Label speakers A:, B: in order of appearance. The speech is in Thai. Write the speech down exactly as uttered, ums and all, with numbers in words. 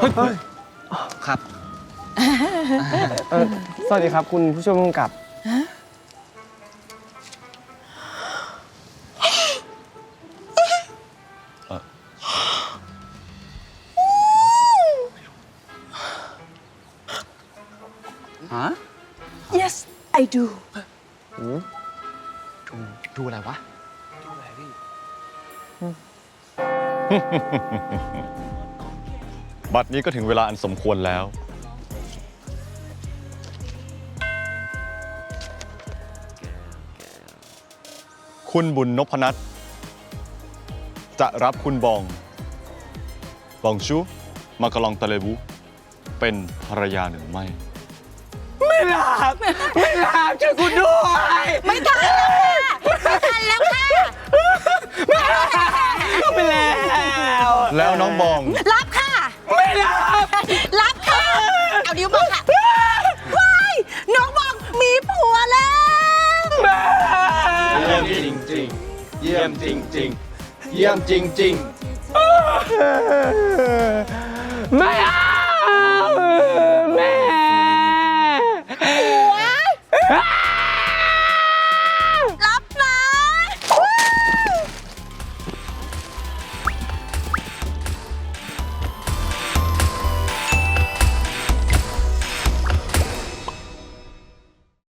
A: ครับ
B: เออสวัสดีครับคุณผู้ช่วยผู้กำกับ
A: ฮะ
C: yes I do
A: ดูดูอะไรวะ
D: บัดนี้ก็ถึงเวลาอันสมควรแล้ว คุณบุญนพนัทจะรับคุณบอง บองชูมากะลองตะเลบุเป็นภรรยาหรือไม่
B: ไม่รับไม่รับช่วยคุณด้วย
C: ไม่ทันแล้วค่ะไม่ทันแล้วค่ะ
B: ไปแล้ว
D: แล้วน้องบอง
C: รับค่ะ
B: ไม่รับ
C: รับค่ะ เอานิ้วมาค่ะว้ายน้องบอกมีผัวแล้ว
A: เยี่ยมจริงจริงเยี่ยมจริงจริงเยี่ยมจริงจริง
B: ไม่เอา